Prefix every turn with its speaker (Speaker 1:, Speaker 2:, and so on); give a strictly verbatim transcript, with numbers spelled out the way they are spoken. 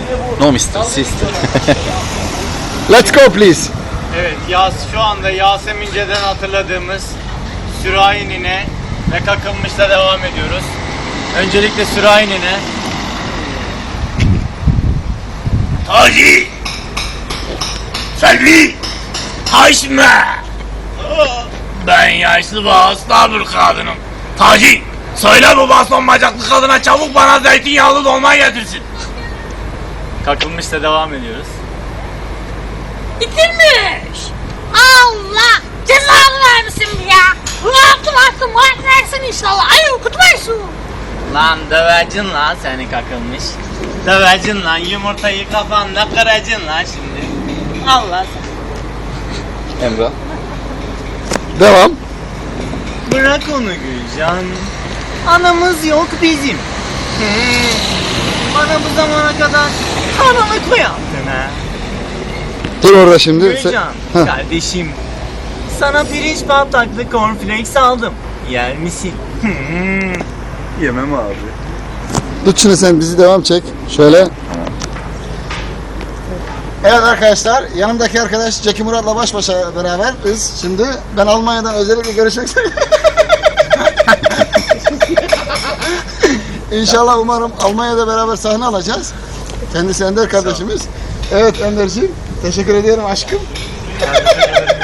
Speaker 1: No mister, sister.
Speaker 2: Let's go please.
Speaker 3: Evet, Yas şu anda Yasemince'den hatırladığımız Sürahi Nine ve Kakılmış'la devam ediyoruz. Öncelikle Sürahi Nine.
Speaker 4: Taci! Selvi! Haşme! Ben yaşlı ve hasta bir kadınım. Taci! Söyle bu baston bacaklı kadına çabuk bana zeytinyağlı dolma getirsin.
Speaker 3: Kakılmış'la devam ediyoruz.
Speaker 5: Bitirmiş. Allah cezanı vermesin ya. Rahatım hakkım var versin inşallah. Ay okutmayısın.
Speaker 3: Lan dövecin lan seni Kakılmış. Dövecin lan, yumurtayı kafanda kıracın lan şimdi. Allah sen.
Speaker 1: Emrah.
Speaker 2: Devam.
Speaker 3: Bırak onu Gülcan. Anamız yok bizim. Hmm. Bana bu zamana kadar karanlık mı yaptın ha?
Speaker 2: Dur orada şimdi. Sen-
Speaker 3: Gülcan,
Speaker 2: Heh.
Speaker 3: kardeşim. Sana pirinç patlaklı cornflakes aldım. Yer misin? Hmm.
Speaker 1: Yemem abi.
Speaker 2: Tut şunu sen bizi devam çek. Şöyle. Evet arkadaşlar yanımdaki arkadaş Zeki Murat'la baş başa beraberiz. Şimdi ben Almanya'dan özellikle görüşmek üzere. İnşallah umarım Almanya'da beraber sahne alacağız. Kendisi Ender kardeşimiz. Evet Ender'ciğim teşekkür ediyorum aşkım.